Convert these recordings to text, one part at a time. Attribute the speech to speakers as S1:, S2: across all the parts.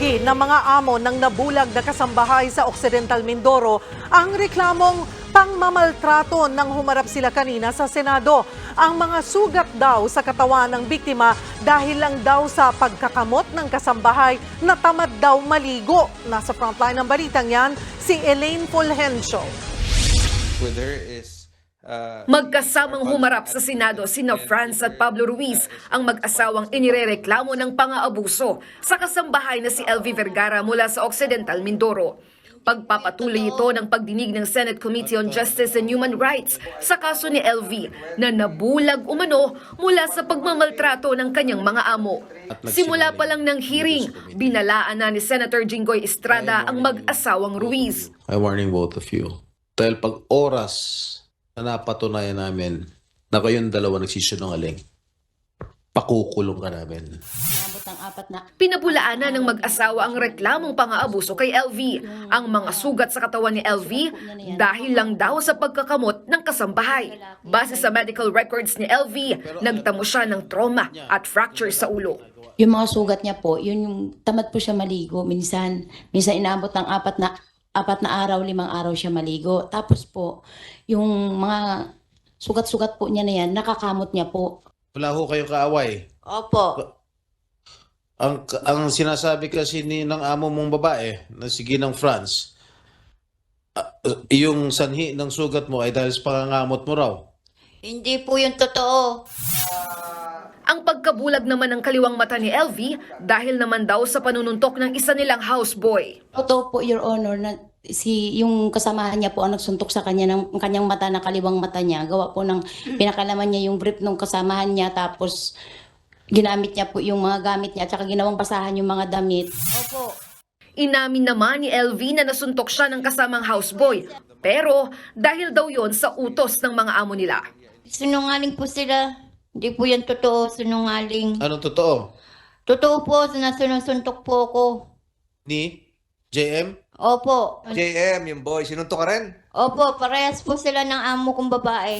S1: Itinanggi ng mga amo ng nabulag na kasambahay sa Occidental Mindoro ang reklamong pangmamaltrato nang humarap sila kanina sa Senado. Ang mga sugat daw sa katawan ng biktima dahil lang daw sa pagkakamot ng kasambahay na tamad daw maligo. Nasa frontline ng balitang yan, si Elaine Fulgencio.
S2: With her is
S3: Magkasamang humarap sa Senado sina Franz at Pablo Ruiz, ang mag-asawang inirereklamo ng pang-aabuso sa kasambahay na si LV Vergara mula sa Occidental Mindoro. Pagpapatuloy ito ng pagdinig ng Senate Committee on Justice and Human Rights sa kaso ni LV na nabulag umano mula sa pagmamaltrato ng kanyang mga amo. Simula pa lang ng hearing, binalaan na ni Senator Jinggoy Estrada ang mag-asawang Ruiz.
S4: I warning both of you. Dahil pag oras na napatunayan namin na kayong dalawa nagsisinungaling, pakukulong ka namin.
S3: Pinabulaan na ng mag-asawa ang reklamong pang-aabuso kay LV. Ang mga sugat sa katawan ni LV dahil lang daw sa pagkakamot ng kasambahay. Base sa medical records ni LV, nagtamo siya ng trauma at fracture sa ulo.
S5: Yung mga sugat niya po, yun yung tamad po siya maligo. Minsan inaabot ng 4 na araw, 5 araw siya maligo. Tapos po, yung mga sugat-sugat po niya na yan, nakakamot niya po.
S4: Wala ho kayong kaaway.
S5: Opo.
S4: Ang sinasabi kasi ng amo mong babae, na si Ginang Franz, yung sanhi ng sugat mo ay dahil sa pangangamot mo raw.
S5: Hindi po yung totoo.
S3: Ang pagkabulag naman ng kaliwang mata ni LV dahil naman daw sa panununtok ng isa nilang houseboy.
S5: Totoo po, Your Honor, na yung kasamahan niya po ang nagsuntok sa kanya ng kanyang mata, na kaliwang mata niya. Gawa po ng pinakalaman niya yung brief ng kasamahan niya, tapos ginamit niya po yung mga gamit niya at saka ginawang basahan yung mga damit. Opo.
S3: Inamin naman ni LV na nasuntok siya ng kasamang houseboy. Pero dahil daw yon sa utos ng mga amo nila.
S6: Sinungaling po sila. Hindi po yan totoo, sinungaling.
S4: Anong totoo?
S6: Totoo po, sinusuntok po ako.
S4: Ni JM?
S6: Opo.
S2: JM, yung boy, sinuntok ka rin?
S6: Opo, parehas po sila ng amo kong babae.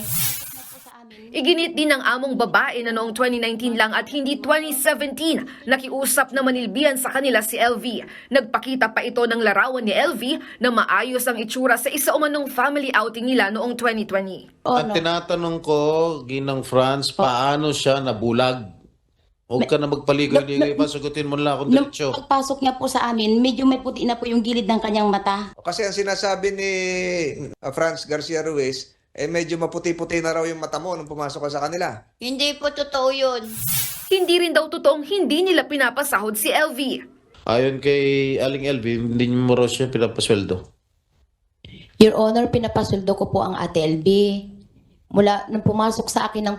S3: Iginit din ng among babae na noong 2019 lang at hindi 2017 nakiusap na manilbihan sa kanila si LV. Nagpakita pa ito ng larawan ni LV na maayos ang itsura sa isa umanong family outing nila noong 2020.
S4: At tinatanong ko, Ginang Franz, paano siya nabulag? Huwag ka na magpaligoy-ligoy pa, sagutin mo lang akong
S5: Nung
S4: diretsyo.
S5: pagpasok niya po sa amin, medyo may puti na po yung gilid ng kanyang mata.
S2: Kasi ang sinasabi ni Franz Garcia Ruiz, medyo maputi-puti na raw yung mata mo nung pumasok ka sa kanila.
S6: Hindi po totoo yun.
S3: Hindi rin daw totoong hindi nila pinapasahod si LV.
S4: Ayon kay Aling LV, hindi mo raw siya pinapasweldo.
S5: Your Honor, pinapasweldo ko po ang Ate LB. Mula nung pumasok sa akin ng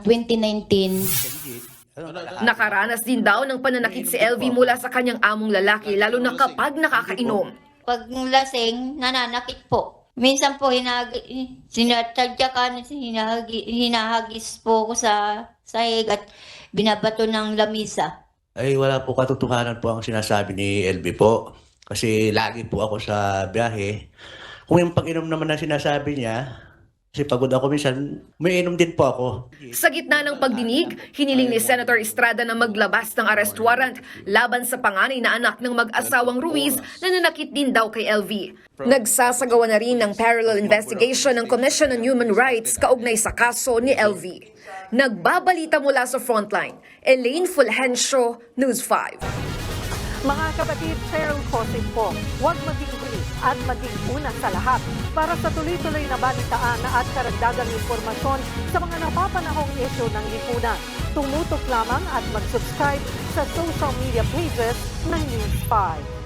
S5: 2019,
S3: Nakaranas din daw ng pananakit si LV mula sa kanyang among lalaki lalo na kapag nakakainom.
S6: Pag lasing, nananakit po. Minsan po, sinatadyakan, hinahagis po ako sa sahig at binabato ng lamisa.
S7: Ay wala po katotohanan po ang sinasabi ni LB po. Kasi lagi po ako sa biyahe. Kung yung pag-inom naman na sinasabi niya, kasi pagod ako minsan, may inom din po ako.
S3: Sa gitna ng pagdinig, hiniling ni Senator Estrada na maglabas ng arrest warrant laban sa panganay na anak ng mag-asawang Ruiz na nanakit din daw kay LV. Nagsasagawa na rin ng parallel investigation ng Commission on Human Rights kaugnay sa kaso ni LV. Nagbabalita mula sa Frontline, Elaine Fulgencio, News 5.
S1: Mga kapatid, Cheryl Cosip po, huwag maging huli at maging una sa lahat para sa tuloy-tuloy na balitaan at karagdagang impormasyon sa mga napapanahong isyu ng lipunan. Tumutok lamang at mag-subscribe sa social media pages ng News 5.